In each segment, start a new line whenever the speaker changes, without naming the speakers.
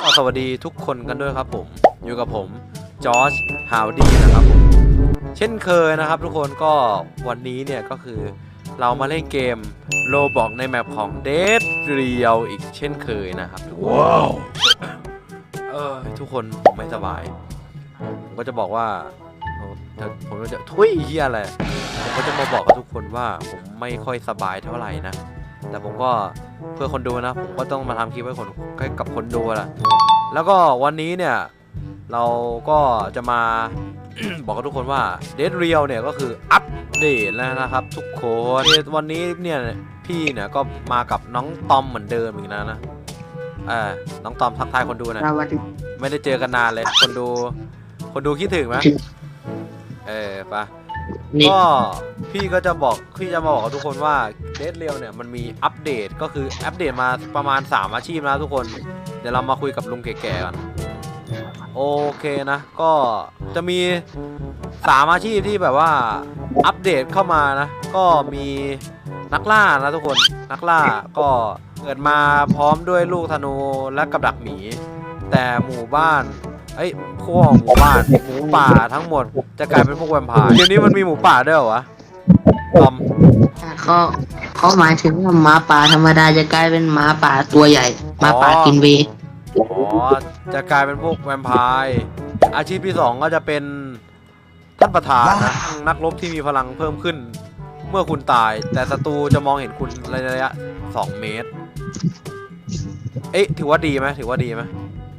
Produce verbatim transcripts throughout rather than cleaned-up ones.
สวัสดีทุกคนกันด้วยครับผมอยู่กับผมจอร์จฮาวดี้นะครับผมเช่นเคยนะครับทุกคนก็วันนี้เนี่ยก็คือเรามาเล่นเกมโลบอกในแมปของ Dead Real อีกเช่นเคยนะครับทุกคนว้าวเออทุกคนผมไม่สบายผมก็จะบอกว่าผมก็จะทุยเฮียอะไรผมก็จะมาบอกกับทุกคนว่าผมไม่ค่อยสบายเท่าไหร่นะแต่ผมก็เพื่อคนดูนะผมก็ต้องมาทำคลิปให้คนให้กับคนดูแหละแล้วก็วันนี้เนี่ยเราก็จะมา บอกกับทุกคนว่า Dead Real เนี่ยก็คืออัปเดตแล้วนะครับทุกคนวันนี้เนี่ยพี่เนี่ยก็มากับน้องตอมเหมือนเดิมอีกนะนะเออน้องตอมทักทายคนดูหน่อยไม่ได้เจอกันนานเลยคนดูคนดูคิดถึงไหมเออปะก็พี่ก็จะบอกพี่จะมาบอกกับทุกคนว่า Dead Real เนี่ยมันมีอัปเดตก็คืออัปเดตมาประมาณสามอาชีพนะทุกคนเดี๋ยวเรามาคุยกับลุงแก่ๆก่อนโอเคนะก็จะมีสามอาชีพที่แบบว่าอัปเดตเข้ามานะก็มีนักล่านะทุกคนนักล่าก็เกิดมาพร้อมด้วยลูกธนูและกับดักหมีแต่หมู่บ้านไอ้พวกหมู่บ้านหมูป่าทั้งหมดจะกลายเป็นพวกแวมไพร์เดี๋ยวนี้มันมีหมูป่าด้วยเหรอวะตอม
เขาเขาหมายถึงว่าหมาป่าธรรมดาจะกลายเป็นหมาป่าตัวใหญ่หมาป่ากินเว
อ๋อจะกลายเป็นพวกแวมไพร์อาชีพที่สองก็จะเป็นท่านประธานนะนักรบที่มีพลังเพิ่มขึ้นเมื่อคุณตายแต่ศัตรูจะมองเห็นคุณในระยะสองเมตรเอ๊ะถือว่าดีไหมถือว่าดีไหม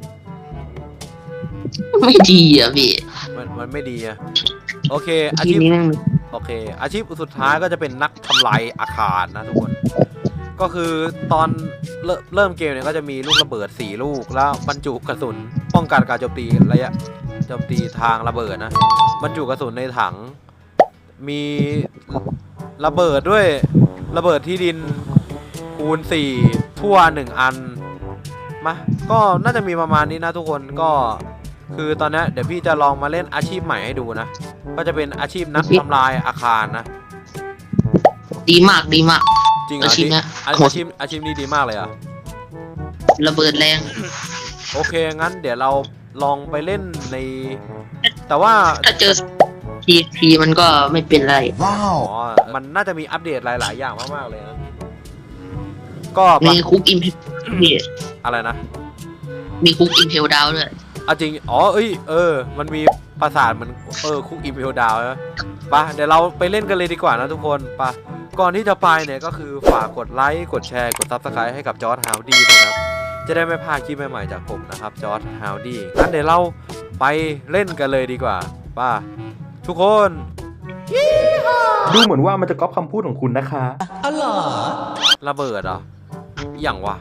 ไม่ดีอ่ะพี่
มันมันไม่ดีอะโอเคอาชีพโอเคอาชีพสุดท้ายก็จะเป็นนักทำลายอาคารนะทุกคนก็คือตอนเริ่มเกมเนี่ยก็จะมีลูกระเบิดสี่ลูกแล้วบรรจุกระสุนป้องกันการโจมตีระยะโจมตีทางระเบิดนะบรรจุกระสุนในถังมีระเบิดด้วยระเบิดที่ดินคูณสี่ทั่วหนึ่งอันมาก็น่าจะมีประมาณนี้นะทุกคนก็คือตอนนี้เดี๋ยวพี่จะลองมาเล่นอาชีพใหม่ให้ดูนะก็จะเป็นอาชีพนักทำลายอาคารนะ
ดีมากดีมาก
จริงเหรออาชีพนี้อาชีพอาชีพนี้ดีมากเลยอ่ะ
ระเบิดแรง
โอเคงั้นเดี๋ยวเราลองไปเล่นในแต่ว่า
ถ้าเจอทีทีมันก็ไม่เป็นไร
ว้าวมันน่าจะมีอัปเดตหลายๆอย่างมากๆเลยนะก็
มีคุกอิมพี
อะไรนะ
มีคุกอิมเพลดาวด้วย
อ่ะจริงอ๋อเอ้ยเออมันมีปราสาทมันเออคุกอิมเพลดาวนะปะเดี๋ยวเราไปเล่นกันเลยดีกว่านะทุกคนปะก่อนที่จะไปเนี่ยก็คือฝากกดไลค์กดแชร์กดซับสไครต์ให้กับจอร์จฮาวดี้นะครับจะได้ไม่พลาดคลิปใหม่ๆจากผมนะครับจอร์จฮาวดี้งั้นเดี๋ยวเราไปเล่นกันเลยดีกว่าป่ะทุกคน
ดูเหมือนว่ามันจะก๊อปคำพูดของคุณนะคะ
อ๋อเหรอระเบิดเหรออย่างวะ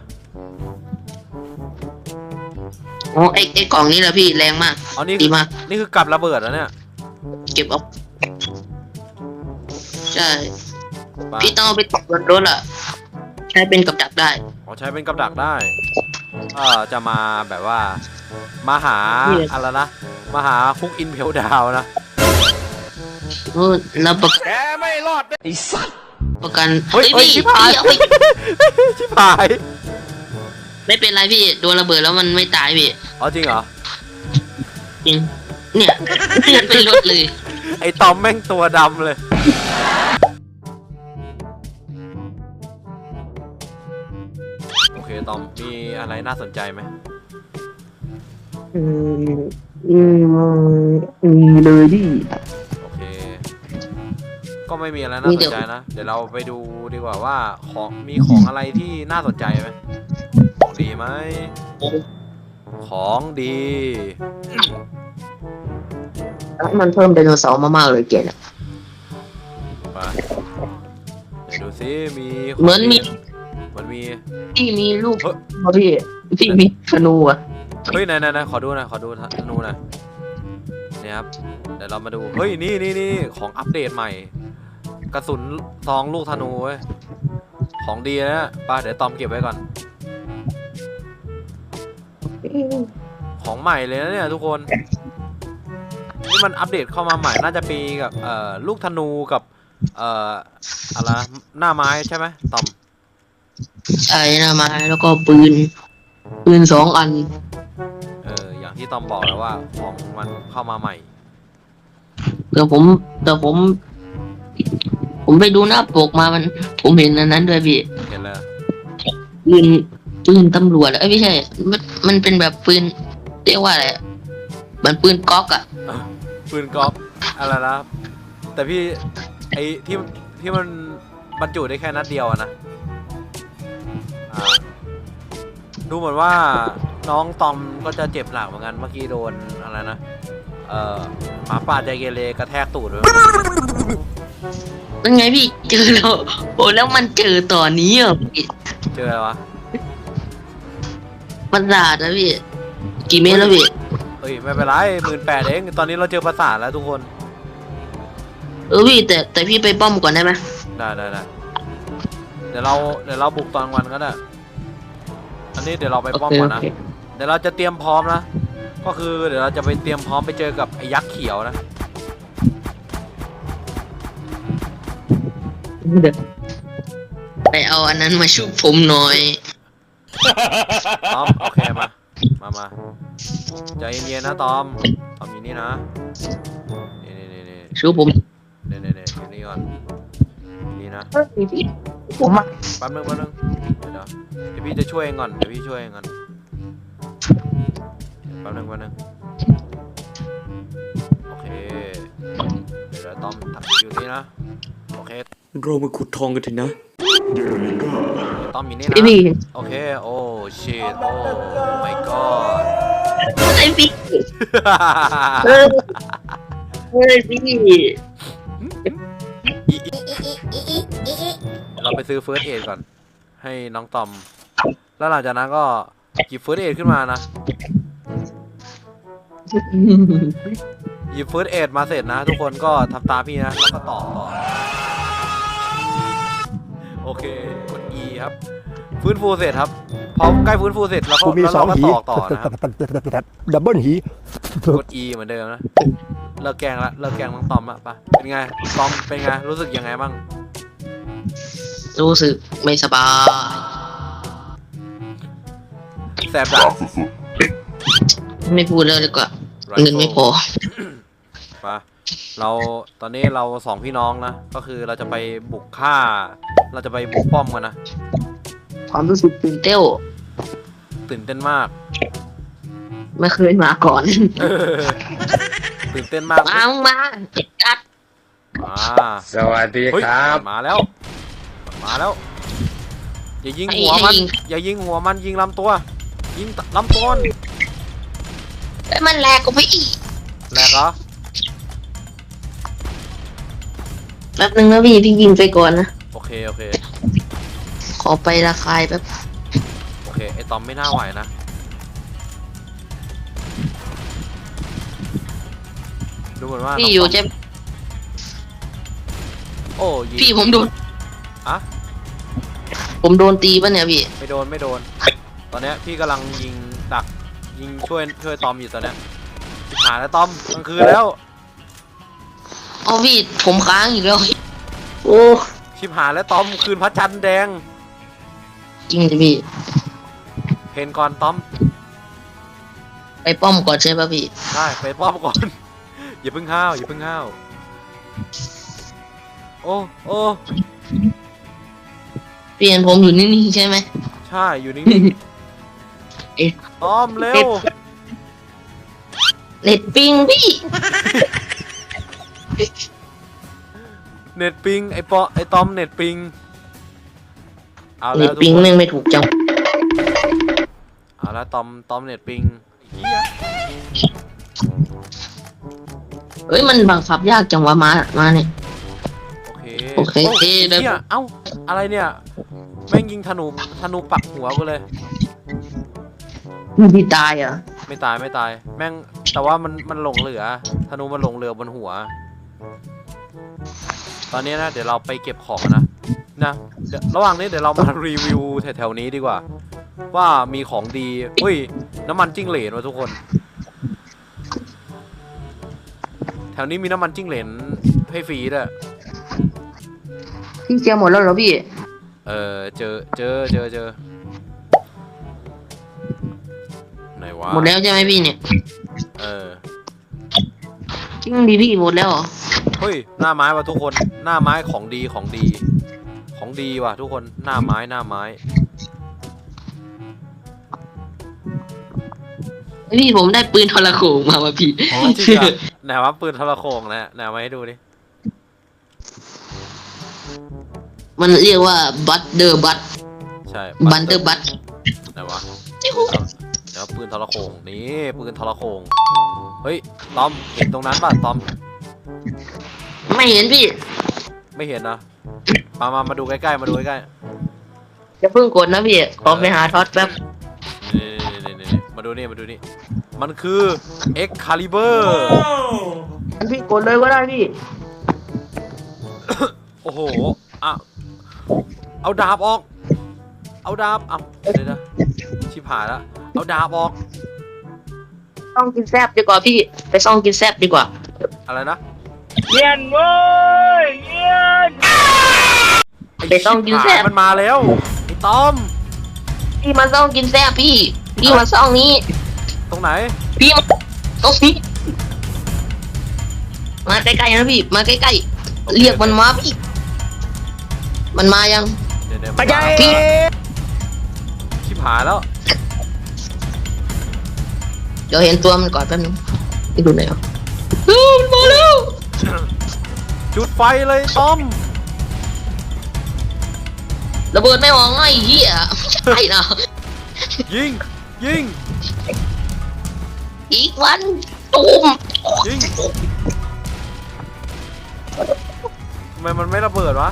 โอ้ไอไอกล่องนี้แหละพี่แรงมาก
อ๋อนี่ดีมากนี่คือกับระเบิดแล้วเนี่ย
เก็บเอาใช่พี่ต้องไปตกบนรถอ่ะใช้เป็นกับดักได้
อ๋อใช้เป็นกับดักได้เออจะมาแบบว่ามาหาอะไรนะมาหาคุกอินเพลดาวนะ
โอ้แล้วประกัน
แกไม่รอดไอ้สัตว์
ประกัน
เฮ้ยชิบหายชิบหาย
ไม่เป็นไรพี่โดนระเบิดแล้วมันไม่ตายพี่
อ๋อจริงเหรอ
จริงเนี่ยเลื่อนเป็นรถเลย
ไอ้ตอมแม่งตัวดำเลยโอเคตอมมีอะไรน่าสนใจไหม
อืมอืมมีเลยดิ
โอเคก็ไม่มีอะไรน่าสนใจนะเดี๋ยวเราไปดูดีกว่าว่าของมีของอะไรที่น่าสนใจไหมของดีไหมของดี
มันเพิ่มไดโนเสาร์มากๆเลยเกณฑ์
ไปเดี๋ยวดูซิมี
เหมือนมี
เหมือนมี
พี่มีลูกพี่พี่มีธนูอ่ะ
เฮ้ยไหนไหนไหนขอดูหน่อยขอดูธนูหน่อยเนี่ยครับเดี๋ยวเรามาดูเฮ้ยนี่นี่นี่ของอัปเดตใหม่กระสุนซองลูกธนูเว้ยของดีนะป้าเดี๋ยวตอมเก็บไว้ก่อนของใหม่เลยนะเนี่ยทุกคนนี่มันอัปเดตเข้ามาใหม่น่าจะปีกับเอ่อลูกธนูกับเอ่ออะไรหน้าไม้ใช่ไหมตอม
ใช่หน้าไม้แล้วก็ปืนปืนสองอัน
ที่ตอมบอกแล้วว่าของมันเข้ามาใหม่
เดี๋ยวผมเดี๋ยวผม ผมไปดูหน้าปกมามัน ผมเห็นอันนั้นด้วยพี่
เห็นเลย
ปืนปืนตำรวจเอ้ยไม่ใช่ มันมันเป็นแบบปืนเรียกว่าอะไรอะเหมือนปืนก๊อกอะ
ปืนกอล์ฟอะไรนะแต่พี่ไอ้ที่ที่มันบรรจุได้แค่นัดเดียวอะนะอ่าดูเหมือนว่าน้องตอมก็จะเจ็บหนักเหมือนกันเมื่อกี้โดนอะไรนะเอ่อหมาป่าใจเกเรกระแทกตูดเลย
เป็นไงพี่เจอแล้วโอ้แล้วมันเจอตอนนี้อ่ะพี่
เจออะไรวะ
มันด่านะพี่กี่เมตรแล้วพี่
เฮ้ยไม่เป็นไรหมื่นแปดเองตอนนี้เราเจอประสาทแล้วทุกคน
เออพี่แต่แต่พี่ไปป้อมก่อนได้ไหม
ได้ได้ได้เดี๋ยวเราเดี๋ยวเราบุกตอนกลางวันก็ได้อันนี้เดี๋ยวเราไป
โอ
ป้อม
เค
ก่อ
โอน
นะ
เค
เดี๋ยวเราจะเตรียมพร้อมนะก็คือเดี๋ยวเราจะไปเตรียมพร้อมไปเจอกับไอ้ยักษ์เขียวนะ
เดี๋ยวไปเอาอันนั้นมาชุบผมหน่อย
ตอมโอเคมา มามาใจเย็นๆนะตอมตอมอยู่นี่นะนี่นี่นี่นี่
ชุบผม
นี่นี่นี่อยู่นี่ก่อนอยู่นี่นะ
ผมอะ
แป๊บนึงแป๊บนึงเดี๋ยวเดี๋ยวเดี๋ยวพี่จะช่วยเองก่อนเดี๋ยวพี่ช่วยเองก่อนแป๊บนึงแป๊บนึงโอเคเดี๋ยวเดี๋ยวตอมทักอยู่นี่นะโอเค
เรามาขุดทองกันเถอะนะ
ตอมอยู่นี่
ไอ
นะ
พี่
โอเคโอ้ชิตโอ้ my god
ไอพี่เออเฮ้ยพี่
เราไปซื้อเฟิร์สเอดก่อนให้น้องตอม แล้วหลังจากนั้นก็หยิบเฟิร์สเอดขึ้นมานะหยิบเฟิร์สเอดมาเสร็จนะ ทุกคนก็ทำตามพี่นะแล้วก็ต่อต่อโอเคกด E ครับฟื้นฟูเสร็จครับพอใกล้ฟื้นฟูเสร็จแล้วก็
กูมี
แล้ว
สอ
เรา
ง
ก็
หี
ต่อต่อนะครับ
ดับเบิลหี
กด E เหมือนเดิมนะเลิกแกล้งละเลิกแกล้งน้องตอมอะปะเป็นไงตอมเป็นไงรู้สึกยังไงบ้าง
รู้สึกไม่สบาย
แสบดัง
ไม่พูดแล้วดีกว่าเงินไม่พอ
ปะเราตอนนี้เราสองพี่น้องนะก็คือเราจะไปบุกฆ่า เราจะไปบุกป้อมกันนะ
ความรู้สึกตื่นเต้น
ตื่นเต้นมาก
ไม่เคยมาก่อน
ตื่นเต้นมาก
มามึงมาจัด
อ่า
สวัสดี
เฮ้ย
ครับ
มาแล้ว มาแล้ว อย่ายิงหัวมัน อย่ายิงหัวมันยิงลำตัว ยิงลำตัวมัน
ไอ้ยมันแหลกกูไปอีก
แหลกเหรอ
แป๊บนึงนะพี่พี่ยิงไปก่อนนะ
โอเคโอเค
ขอไประคายแป๊บ
โอเคไอตอมไม่น่าไหวนะดูเหมือนว่า
พี่อยู่
น้งต
จะ
มโอ้ยิง
พี่ผมโดน
อะ
ผมโดนตีป่ะเนี่ยพี่
ไม่โดนไม่โดน ตอนเนี้ยพี่กำลังยิงดักยิงช่วยช่วยตอมอยู่ตอนเนี้ยหาแล้วตอมกลางคืนแล้ว
เอาพี่ผมค้างอีกแล้วโอ้
ชิบหายแล้วตอมคืนพระจันทร์แดง
จริงดิพี่
เพนก่อนตอม
ไปป้อมก่อนใช่ป่ะพี่
ได้ไปป้อมก่อน อย่าเพิ่งห้าวอย่าเพิ่งห้าวโอ้โอ้
เปลี่ยนผมอยู่นิ่งๆใช่ไหม
ใช่อยู่นิ่ง
เอ๊ะ
ๆตอมเร็ว
เน็ตปิงพี่
เน็ตปิงไอปอไอตอมเน็ตปิงเอา
เน็
แล้
ต
วทุก
ปิง
คน
แม่งไม่ถูกจัง
เอาแล้วตอมตอมเน็ตปิงเหี้ย
เอ้ยมันบังคับยากจังวะมามาเนี่ย
โอเค
โอเค
โอ้
ได้
เหี้ยเอ้าอะไรเนี่ยแม่งยิงธนูธนูปักหัวกูเลย
พี่ตายเหรอ่ะ
ไม่ตายไม่ตาย แม่งแต่ว่ามันมันหลงเหลือธนูมันหลงเหลือบนหัว ตอนนี้นะเดี๋ยวเราไปเก็บของนะนะเดี๋ยวระหว่างนี้เดี๋ยวเรามารีวิวแถวๆนี้ดีกว่า ว่ามีของดีอุ้ยน้ำมันจิ้งเหลนวะทุกคน แถวนี้มีน้ำมันจิ้งเหลนให้ฟรีด้วย
พี่เจอหมดแล้วเหรอพี่
เออเจอเจอเจอเจอไหนวะ
หมดแล้วใช่ไหมพี่เนี่ย
เออ
จริงดิพี่หมดแล้วเหรอ
เฮ้ยหน้าไม้ว่ะทุกคนหน้าไม้ของดีของดี ของดีว่ะทุกคนหน้าไม้หน้าไม้
พี่ผมได้ปืนทรโขงมาว่ะพี่
จริงอะไหนวะปืนทรโขงนะไหนมาให้ดูดิ
มันเรียกว่าบัตเดอร์บัต
ใช่
บันเดอร์บัต
ไหนวะเดี๋ยวปืนทรโขงนี่ปืนทรโขงเฮ้ยตอมเห็นตรงนั้นป่ะตอม
ไม่เห็นพี่
ไม่เห็นนะมามามาดูใกล้ๆมาดูใกล้
จะเพิ่งกดนะพี่ขอไปหาท็อตแป๊บ
ๆนี่นี่นี่นี่มาดูนี่มาดูนี่มันคือ Excalibur
อันพี่กดเลยก็ได้พี่
โอ้โหอ่ะเอาดาบออก เอาดาบเอาเดี๋ยวนะชิบหายแล้วเอาดาบออก
ต้องกินแซบดีกว่าพี่ ไปซ่องกินแซบดีกว่า
อะไรนะ
เย็นเว้ยเย็น
ไปซ่องกินแซบ
มันมาแล้วไอ้ตอม
พี่มาซ่องกินแซบพี่ พี่มาซ่องนี้
ตรงไหน
พี่มาตรงนี้ มาใกล้ๆนะพี่ มาใกล้ๆ เรียกมันมาพี่ มันมายัง
เดี๋ยวเดี๋ยว
ปัจจัย
พี่
ชิบหายแล้ว
เดี๋ยวเห็นตัวมันก่อนแป๊บนึงไปดูหน่อยอ่ะเฮ้ยมันมาแล้ว
จุดไฟเลยตอม
ระเบิดไม่ออกไงไอ้เหี้ยไม่ใช่นะ
ยิงยิง
อีกวันตูม
ยิงทำไมมันไม่ระเบิดวะ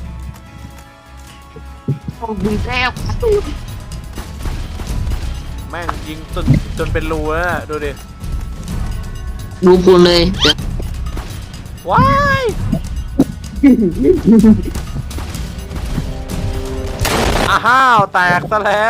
ต้องกินแซบ
แม่งยิงจนจนเป็นรูแล้วน่ะดูดิ
ดูคุณเลยเดี๋ยว
ว้ายอ้าวแตกซะแล้ว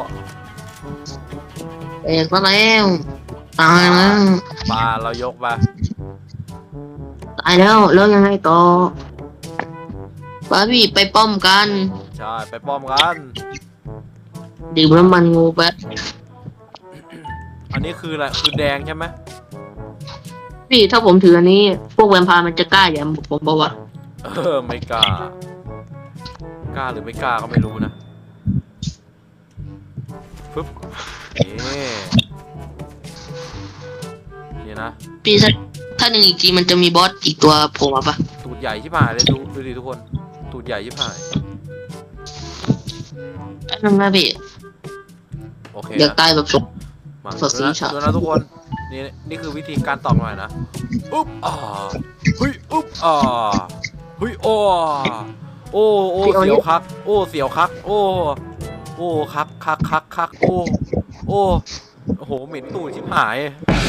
แตกมาแล้วตายแล้ว
ปลาเรายกมา
ตายแล้วแล้วยังไงต่อป้าพี่ไปป้อมกัน
ใช่ไปป้อมกัน
ดื่มน้ำมันงูแป๊บ
อันนี้คืออะไรคือแดงใช่ไหม
พี่ถ้าผมถืออันนี้ พวกแวมไพร์มันจะกล้าอย่างผมบอกว่า
เออไม่กล้ากล้าหรือไม่กล้าก็ไม่รู้นะปึ๊บนี่นี่นะ
พี่ถ้าถ้าหนึ่งอีกทีมันจะมีบอสอีกตัวโผล่มาปะ
ตูดใหญ่ชิบหายเลยดูดูดิทุกคนตูดใหญ่ชิบหาย
อันนั้นนะพี่
โอเค
อยาก
นะ
ตายแบบสด
มา
สดสี
ดูนะ
ฉะ
ดูนะทุกคนนี่นี่คือวิธีการตอกหน่อยนะอุ๊บอ่าเฮ้ยอุ๊บอ่าเฮ้ยโอ้โอ้โอ้เสียวคักโอ้เสียวคักโอ้โอ้คักคักคักคักโอ้โอ้โอ้โหเหม็นตูดชิบหาย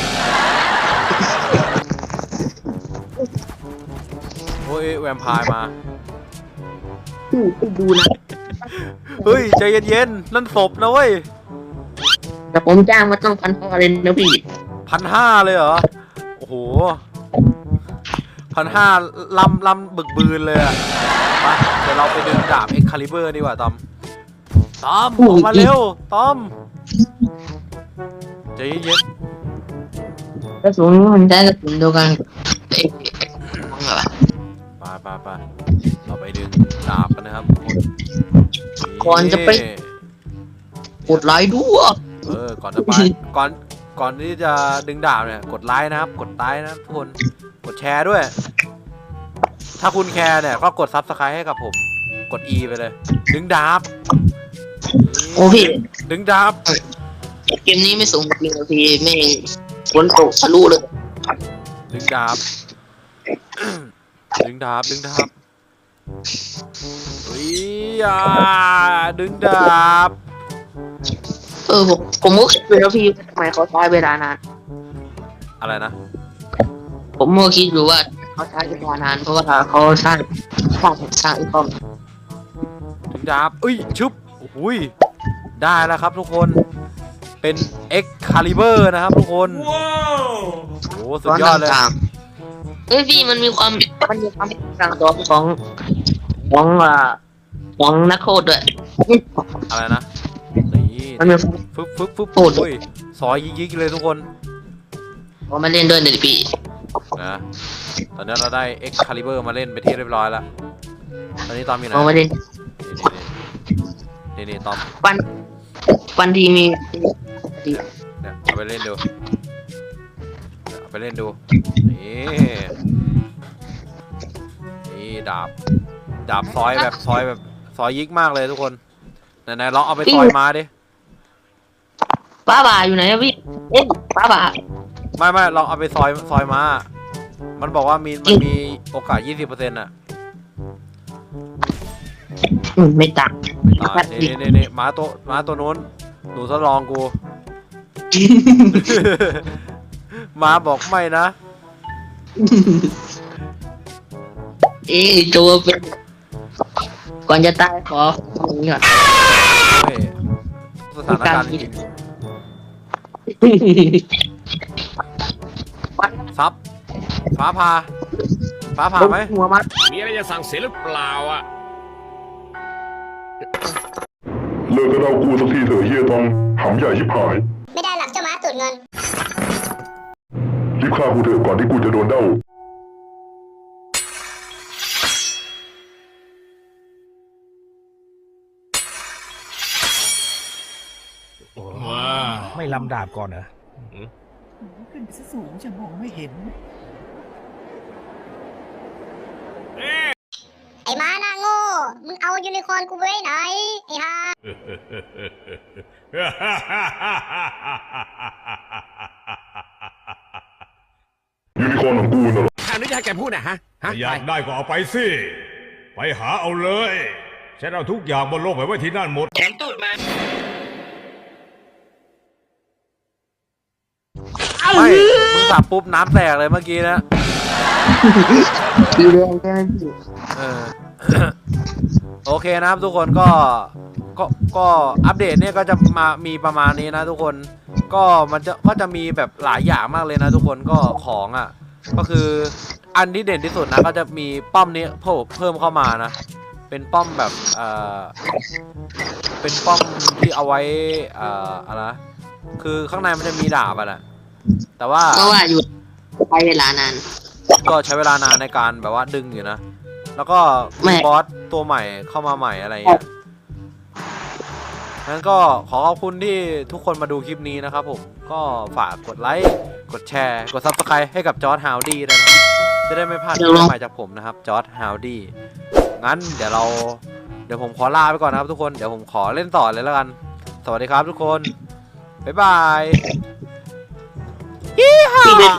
โอ้ยแวมไพร์มา
พี่ไปดูนะ
เฮ้ยใจเย็นๆนั่นศพนะเว้ย
แต่ผมจ้างมาต้องพันห้าเลยนะพี่
พันห้าเลยเหรอโอ้โหพันห้าลำลำบึกบืนเลยอะไปเดี๋ยวเราไปดึงดาบเอ็กคาลิเบอร์ดีกว่าตอมตอมออกมาเร็วตอมใจเย็น
กระสุนมันได้กระสุนเดียวกันเอ๊ะมองอะไร
ๆไปไปไปเราไปดึงดาบกันนะครับทุกคน
ก่อนจะไปกดไลค์ด้วย
เออก่อนจะไปก่อนก่อนที่จะดึงดาบเนี่ยกดไลค์นะครับกดไลค์นะครับทุกคนกดแชร์ด้วย ถ้าคุณแคร์เนี่ยก็กดซับสไครต์ให้กับผมกด E ไปเลย ดึงดาบ
โอ้พี่
ดึงดาบ
เกมนี้ไม่สูงจริงๆพี่ไม่ฝนตกทะลุเลย
ดึงดาบ ดึงดาบดึงดาบเฮ้ยอ่าดึงดาบ
เออผมผมก็คิดอยู่แล้วพี่ทำไมเขาใช้เวลานาน
อะไรนะ
ผมก็คิดอยู่ว่าเขาใช้เวลานานเพราะว่าเขาสร้างสร้างสร้างอีกป้อม
ดึงดาบอุ้ยชุบอุ้ยได้แล้วครับทุกคนเป็น Excalibur นะครับทุกคนโอ้โหสุดยอดเลย
ต่างๆเฮ้ยพี่มันมีความมันมีความต่างตัวของของอ่าของนักโทษด้วย
อะไรนะนี่
มันมี
ฟึบฟึบฟึบ
โอ้โห
โอ้ยซอยยิกๆเลยทุกคน
ผมมาเล่นด้วยเดี๋ยวพี่
นะตอนนี้เราได้ Excalibur มาเล่นไปที่เรียบร้อยแล้วตอนนี้ตอมอยู่ไหน
ผมมาเล่น
นี่นี่นี่ตอม
วันวันที่มี
เนี่ยเอาไปเล่นดูเอาไปเล่นดูนี่นี่ดาบดาบซอยแบบซอยแบบซอยยิกมากเลยทุกคนไหนๆลองเอาไปซอยมาดิ
ป้าบ่าอยู่ไหนอะพี่เอ๊ะป้าบ่า
ไม่ไม่ลองเอาไปซอยซอยมา มันบอกว่ามีมันมีโอกาส ยี่สิบเปอร์เซ็นต์ อ่ะ
อืมไม่ต่าง
ตายนี่นี่นี่ม้าตัวม้าตัวนู้นหนูทดลองกู ม้าบอกไม่นะ
เอ๊ะตัวเป็นก่อนจะตายขออย่างนี้ก่อน
เฮ้ยสถานการณ์จริงซับฟ้าผ่าฟ้าผ่าไหม
หัวมัด
มีอะไรจะสั่งเสียหรือเปล่าอ่ะ
เลิกกระเดากูสักทีเถอะเฮียทองหำใหญ่ชิบหาย
ไม่ได้หลักเจ้าม้าตูดเงิน
รีบฆ่ากูเถอะก่อนที่กูจะโดนเด้า
ไม่ลำดาบก่อนเหรอ
ขึ้นไปซะสูงจะมองไม่เห็น
ไอ้ม้าหน้าโง่ มึงเอายูนิคอร์นกูไว้ไหน ไอ้ห่า
ยูนิคอร์นของกูน่ะเหรอ
ข่าวนี้จะให้แกพูดนะฮะฮะ
อยากได้ก็เอาไปสิ ไปหาเอาเลยฉันเอาทุกอย่างบนโลกไปไว้ที่นั่นหมด
ไม่มึงสับปุ๊บน้ำแตกเลยเมื่อกี้นะ
สีแดงใช่ไหมพี่
เออ โอเคนะครับทุกคนก็ก็ก็อัปเดตเนี่ยก็จะมามีประมาณนี้นะทุกคนก็มันจะก็จะมีแบบหลายอย่างมากเลยนะทุกคนก็ของอ่ะก็คืออันที่เด่นที่สุดนะก็จะมีป้อมนี้เพิ่มเพิ่มเข้ามานะ เป็นป้อมแบบเอ่อเป็นป้อมที่เอาไว้เอ่ออะไรนะคือข้างในมันจะมีดาบอ่ะนะแต่ว่า
ก็ว่าอยู่ไปเวลานาน
ก็ใช้เวลานานในการแบบว่าดึงอยู่นะ แล้วก็
ไม่
มีบอสตัวใหม่เข้ามาใหม่อะไรอย่างเงี้ยงั้นก็ขอขอบคุณที่ทุกคนมาดูคลิปนี้นะครับผม ก็ฝากกดไลค์ กดแชร์ กด ซับสไครบ์ ให้กับจอร์จฮาวดี้ด้วยนะจะได้ไม่พลาดคลิปใหม่จากผมนะครับ จอร์จฮาวดี้งั้นเดี๋ยวเรา เดี๋ยวผมขอลาไปก่อนนะครับทุกคน เดี๋ยวผมขอเล่นต่อเลยแล้วกัน สวัสดีครับทุกคน บ๊ายบาย